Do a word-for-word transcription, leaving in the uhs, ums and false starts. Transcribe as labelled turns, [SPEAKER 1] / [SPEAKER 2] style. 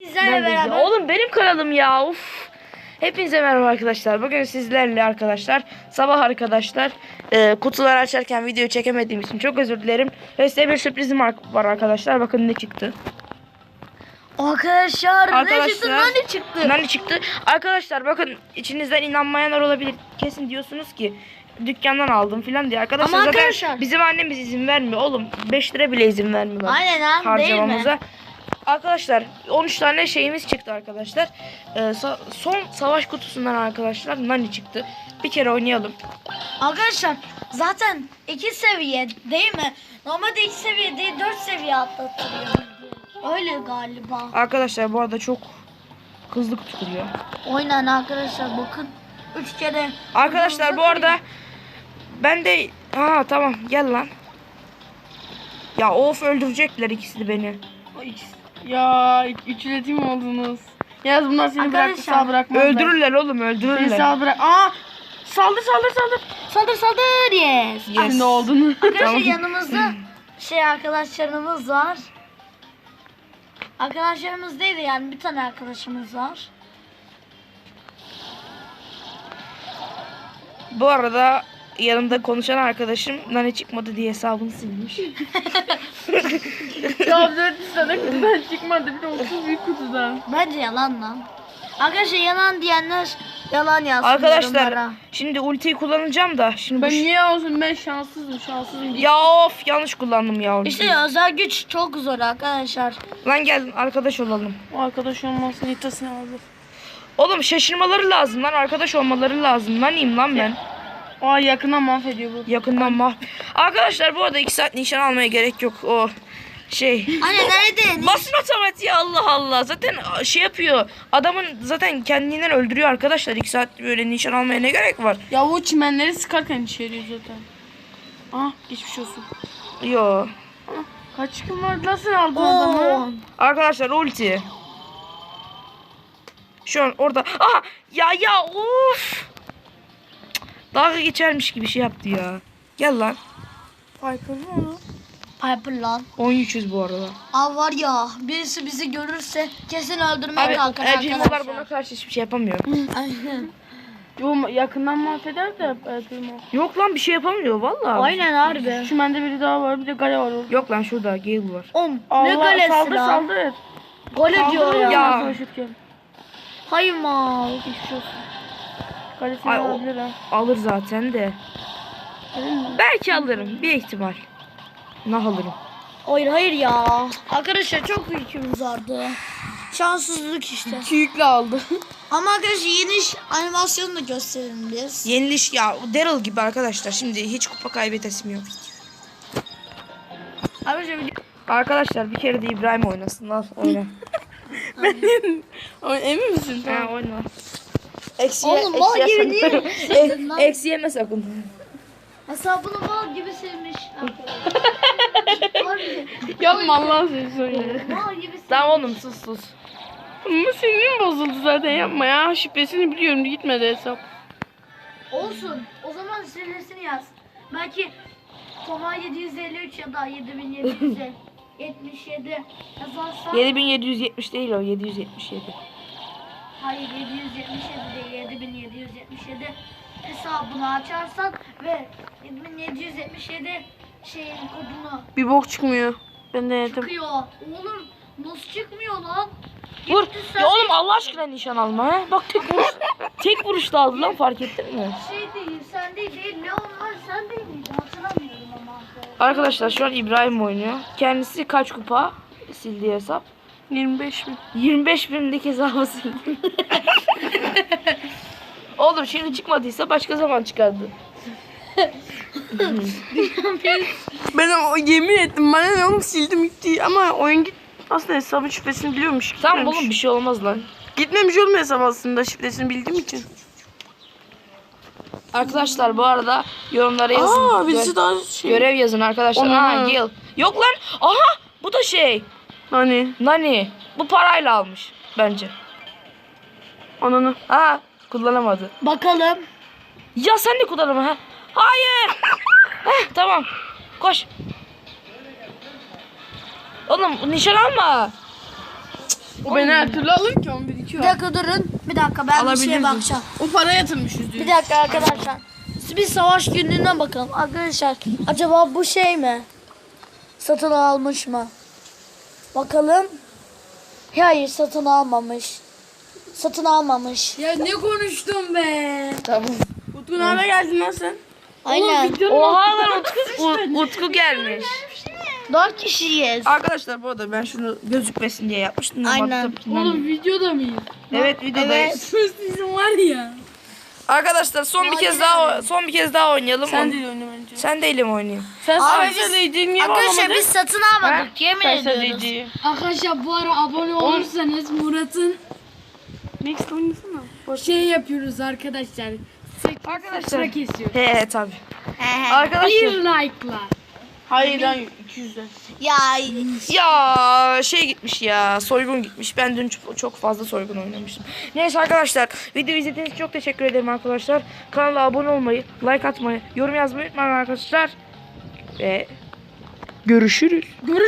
[SPEAKER 1] Sizlerle beraber.
[SPEAKER 2] Oğlum benim kanalım ya. Uf. Hepinize merhaba arkadaşlar. Bugün sizlerle arkadaşlar sabah arkadaşlar e, kutuları açarken videoyu çekemediğim için çok özür dilerim. Ve size bir sürprizim var arkadaşlar. Bakın ne çıktı.
[SPEAKER 1] Arkadaşlar,
[SPEAKER 2] Arkadaşlar
[SPEAKER 1] ne çıktı? Nani çıktı.
[SPEAKER 2] Nani çıktı. Arkadaşlar bakın içinizden inanmayanlar olabilir. Kesin diyorsunuz ki dükkandan aldım filan diye. Arkadaşlar
[SPEAKER 1] Ama
[SPEAKER 2] zaten
[SPEAKER 1] arkadaşlar,
[SPEAKER 2] bizim annemiz izin vermiyor oğlum. beş lira bile izin vermiyor.
[SPEAKER 1] Aynen abi,
[SPEAKER 2] harcamamıza.
[SPEAKER 1] değil mi?
[SPEAKER 2] Arkadaşlar on üç tane şeyimiz çıktı arkadaşlar. Ee, sa- son savaş kutusundan arkadaşlar Nani çıktı. Bir kere oynayalım.
[SPEAKER 1] Arkadaşlar zaten iki seviye değil mi? Normalde iki seviye değil dört seviye atlatılıyor. Öyle galiba.
[SPEAKER 2] Arkadaşlar bu arada çok hızlı kutu kuruyor.
[SPEAKER 1] Oynan arkadaşlar bakın. Üç kere.
[SPEAKER 2] Arkadaşlar bu arada ben de ha tamam gel lan. Ya of öldürecekler ikisi de beni.
[SPEAKER 3] Ya üçletim oldunuz. Yaz bunlar seni
[SPEAKER 1] Arkadaşlar,
[SPEAKER 3] bıraktı sağ bırakmazlar.
[SPEAKER 2] Öldürürler oğlum
[SPEAKER 3] Seni
[SPEAKER 2] öldürürler.
[SPEAKER 3] sağ bırak. Aa! Saldır saldır saldır.
[SPEAKER 1] Saldır saldır yes.
[SPEAKER 2] Yes.
[SPEAKER 3] Şimdi oldun.
[SPEAKER 1] Arkadaşlar
[SPEAKER 2] Tamam.
[SPEAKER 1] yanımızda şey arkadaşlarımız var. Arkadaşlarımız değil de yani bir tane arkadaşımız var.
[SPEAKER 2] Bu arada yanımda konuşan arkadaşım Nani çıkmadı diye hesabını silmiş.
[SPEAKER 3] Ya dört tane kutudan çıkmadı. Bir de otuz büyük kutudan.
[SPEAKER 1] Bence yalan lan. Arkadaşlar yalan diyenler yalan yazsın
[SPEAKER 2] Arkadaşlar
[SPEAKER 1] yorumlara.
[SPEAKER 2] şimdi ultiyi kullanacağım da şimdi
[SPEAKER 3] Ben
[SPEAKER 2] bu
[SPEAKER 3] niye olsun, ben şanssızım şanssızım.
[SPEAKER 2] ya of yanlış kullandım ya ultiyi.
[SPEAKER 1] İşte özel güç çok zor arkadaşlar.
[SPEAKER 2] Lan gel arkadaş olalım.
[SPEAKER 3] O arkadaş olmasın nitasını alır.
[SPEAKER 2] Oğlum şaşırmaları lazım lan, arkadaş olmaları lazım. Nani'yim lan ben.
[SPEAKER 3] Aa yakından mahvediyor bu.
[SPEAKER 2] Yakından mah. Arkadaşlar bu arada iki saat nişan almaya gerek yok. O şey.
[SPEAKER 1] Anne nerede?
[SPEAKER 2] Basın otomatiği Allah Allah. Zaten şey yapıyor. Adamın zaten kendinden öldürüyor arkadaşlar. iki saat böyle nişan almaya ne gerek var?
[SPEAKER 3] Ya o çimenleri sıkarken işe yarıyor zaten. Ah geçmiş olsun.
[SPEAKER 2] Yo.
[SPEAKER 3] Ah, kaç gün vardı lan sen aldın
[SPEAKER 1] Oo.
[SPEAKER 3] adamı?
[SPEAKER 2] Arkadaşlar ulti. Şu an orada. Aha ya ya of. Dalga geçermiş gibi şey yaptı ya. Gel lan.
[SPEAKER 3] Piper mı onu?
[SPEAKER 1] Piper lan.
[SPEAKER 2] on üç yüz bu arada.
[SPEAKER 1] Aa var ya birisi bizi görürse kesin öldürmeye
[SPEAKER 2] Abi
[SPEAKER 1] kalkar
[SPEAKER 2] Elcimolar
[SPEAKER 1] arkadaşlar.
[SPEAKER 2] buna karşı hiçbir şey yapamıyor.
[SPEAKER 1] Aynen.
[SPEAKER 3] Yo yakından mahveder de Piper mı?
[SPEAKER 2] Yok lan bir şey yapamıyor vallahi.
[SPEAKER 1] Aynen harbi.
[SPEAKER 3] Çimende biri daha var, bir de Gale var orada.
[SPEAKER 2] Yok lan şurada Gale var.
[SPEAKER 1] Om ne
[SPEAKER 3] Allah
[SPEAKER 1] galesi
[SPEAKER 3] saldır
[SPEAKER 1] lan?
[SPEAKER 3] saldır.
[SPEAKER 1] Gole diyor ya.
[SPEAKER 2] Ya.
[SPEAKER 3] Savaşırken.
[SPEAKER 1] Hayır mal.
[SPEAKER 3] Geçmiş olsun. Galesini
[SPEAKER 2] Ay, o-
[SPEAKER 3] alabilir ha.
[SPEAKER 2] Alır zaten de.
[SPEAKER 3] Değil mi?
[SPEAKER 2] Belki alırım. Bir ihtimal. Nah alırım.
[SPEAKER 1] Hayır hayır ya. Arkadaşlar çok yükümüz vardı. Şanssızlık işte.
[SPEAKER 3] İki yükle aldı.
[SPEAKER 1] Ama arkadaşlar yeni iş animasyonu da gösterelim biz.
[SPEAKER 2] Yeniliş ya Daryl gibi arkadaşlar. Şimdi hiç kupa kaybetesim yok.
[SPEAKER 1] Arkadaşlar video-
[SPEAKER 2] Arkadaşlar bir kere de İbrahim oynasın. Al oyna.
[SPEAKER 3] Ama emin misin?
[SPEAKER 2] ha
[SPEAKER 3] Tamam.
[SPEAKER 2] oyna. Eksi,
[SPEAKER 1] Oğlum, mal
[SPEAKER 2] eksiye
[SPEAKER 1] gibi
[SPEAKER 2] sakın.
[SPEAKER 1] değil mi?
[SPEAKER 2] Ek-
[SPEAKER 1] Sakın lan.
[SPEAKER 2] Eksi yeme sakın.
[SPEAKER 1] hesabını mal gibi silmiş. Harbi.
[SPEAKER 3] Yapma Allah seni söyle.
[SPEAKER 1] Mal gibi silmiş.
[SPEAKER 2] Tamam oğlum sus sus.
[SPEAKER 3] Ama sinirim bozuldu zaten, yapma ya. Şifresini biliyorum, gitmedi hesap.
[SPEAKER 1] Olsun. O zaman sırasını yaz. Belki Toma yedi yüz elli üç ya da yedi bin yedi yüz yetmiş yedi yazarsan.
[SPEAKER 2] yedi bin yedi yüz yetmiş değil o. yedi yüz yetmiş yedi.
[SPEAKER 1] Hayır yedi yüz yetmiş yedi değil yedi bin yedi yüz yetmiş yedi hesabını açarsan ve yedi bin yedi yüz yetmiş yedi şeyin kodunu
[SPEAKER 3] Bir bok çıkmıyor. Ben de yedim.
[SPEAKER 1] çıkıyor. Oğlum nasıl çıkmıyor lan?
[SPEAKER 2] Vur.
[SPEAKER 1] Gitti sen
[SPEAKER 2] Ya oğlum Allah aşkına nişan alma ha. Bak tek vuruş. tek vuruşta aldı lan, fark ettin mi?
[SPEAKER 1] Şey değil sen değil değil Leon var sen değil miydin hatırlamıyorum ama.
[SPEAKER 2] Arkadaşlar şu an İbrahim oynuyor. Kendisi kaç kupa sildiği hesap?
[SPEAKER 3] yirmi beş mi?
[SPEAKER 2] yirmi beş binlik hesabı sildi. Oğlum şimdi çıkmadıysa başka zaman çıkardı.
[SPEAKER 3] Ben o yemin ettim, bana ne oğlum, sildim gitti ama oyun git. Aslında hesabın şifresini biliyormuş.
[SPEAKER 2] Tamam
[SPEAKER 3] gitmemiş.
[SPEAKER 2] oğlum bir şey olmaz lan.
[SPEAKER 3] Gitmemiş oğlum hesap aslında, şifresini bildiğim için.
[SPEAKER 2] Arkadaşlar bu arada yorumlara yazın.
[SPEAKER 3] Aa
[SPEAKER 2] Gö-
[SPEAKER 3] birisi daha şey.
[SPEAKER 2] Görev yazın arkadaşlar.
[SPEAKER 3] Onu-
[SPEAKER 2] Aa Gil. Yok lan. Aha bu da şey.
[SPEAKER 3] Hani
[SPEAKER 2] Nani. Bu parayla almış bence.
[SPEAKER 3] ananı.
[SPEAKER 2] Ha kullanamadı.
[SPEAKER 1] Bakalım.
[SPEAKER 2] Ya sen de kullanama ha. Hayır. Heh, tamam. Koş. Oğlum nişan alma. Cık.
[SPEAKER 3] O beni her türlü alır ki on bir iki
[SPEAKER 1] Bir
[SPEAKER 3] o.
[SPEAKER 1] dakika durun. Bir dakika ben bir şeye
[SPEAKER 3] Alabilirdin.
[SPEAKER 1] bakacağım.
[SPEAKER 3] O para yatırmış yüzde yüz.
[SPEAKER 1] Bir dakika arkadaşlar. Bir savaş günlüğüne bakalım. Arkadaşlar acaba bu şey mi? Satın almış mı? Bakalım. Hayır satın almamış. Satın almamış.
[SPEAKER 4] Ya ne konuştun be?
[SPEAKER 2] Tamam.
[SPEAKER 3] Utku nerede geldin lan sen?
[SPEAKER 1] Aynen.
[SPEAKER 2] Oha lan Utku, U- Utku gelmiş.
[SPEAKER 1] Dört kişiyiz.
[SPEAKER 2] Arkadaşlar bu arada ben şunu gözükmesin diye yapmıştım. Ama
[SPEAKER 1] Aynen.
[SPEAKER 2] tabii ki ben-
[SPEAKER 4] Oğlum videoda mıyız?
[SPEAKER 2] Evet videodayız.
[SPEAKER 4] Sizin var ya.
[SPEAKER 2] Arkadaşlar son bir kez daha son bir kez daha oynayalım.
[SPEAKER 3] Sen
[SPEAKER 2] On-
[SPEAKER 3] değil oyunu bence.
[SPEAKER 2] Sen değilim oynayayım.
[SPEAKER 3] Sen
[SPEAKER 1] Abi
[SPEAKER 3] sadece niye
[SPEAKER 1] Arkadaşlar
[SPEAKER 3] bağlamadın?
[SPEAKER 1] biz satın almadık. Yemin ediyoruz.
[SPEAKER 4] Arkadaşlar bu ara abone olursanız Murat'ın
[SPEAKER 3] Next oynasana.
[SPEAKER 4] şey yapıyoruz arkadaşlar.
[SPEAKER 2] Arkadaşlar.
[SPEAKER 4] Sıra kesiyor.
[SPEAKER 2] He he tabii.
[SPEAKER 1] He he.
[SPEAKER 4] Bir
[SPEAKER 2] Arkadaşlar
[SPEAKER 4] like'la.
[SPEAKER 3] Hayır lan iki yüzden.
[SPEAKER 1] Ya
[SPEAKER 2] ya şey gitmiş ya soygun gitmiş. Ben dün çok, çok fazla soygun oynamıştım. Neyse arkadaşlar video izlediğiniz için çok teşekkür ederim arkadaşlar. Kanala abone olmayı, like atmayı, yorum yazmayı unutmayın arkadaşlar. Ve görüşürüz.
[SPEAKER 4] Görüş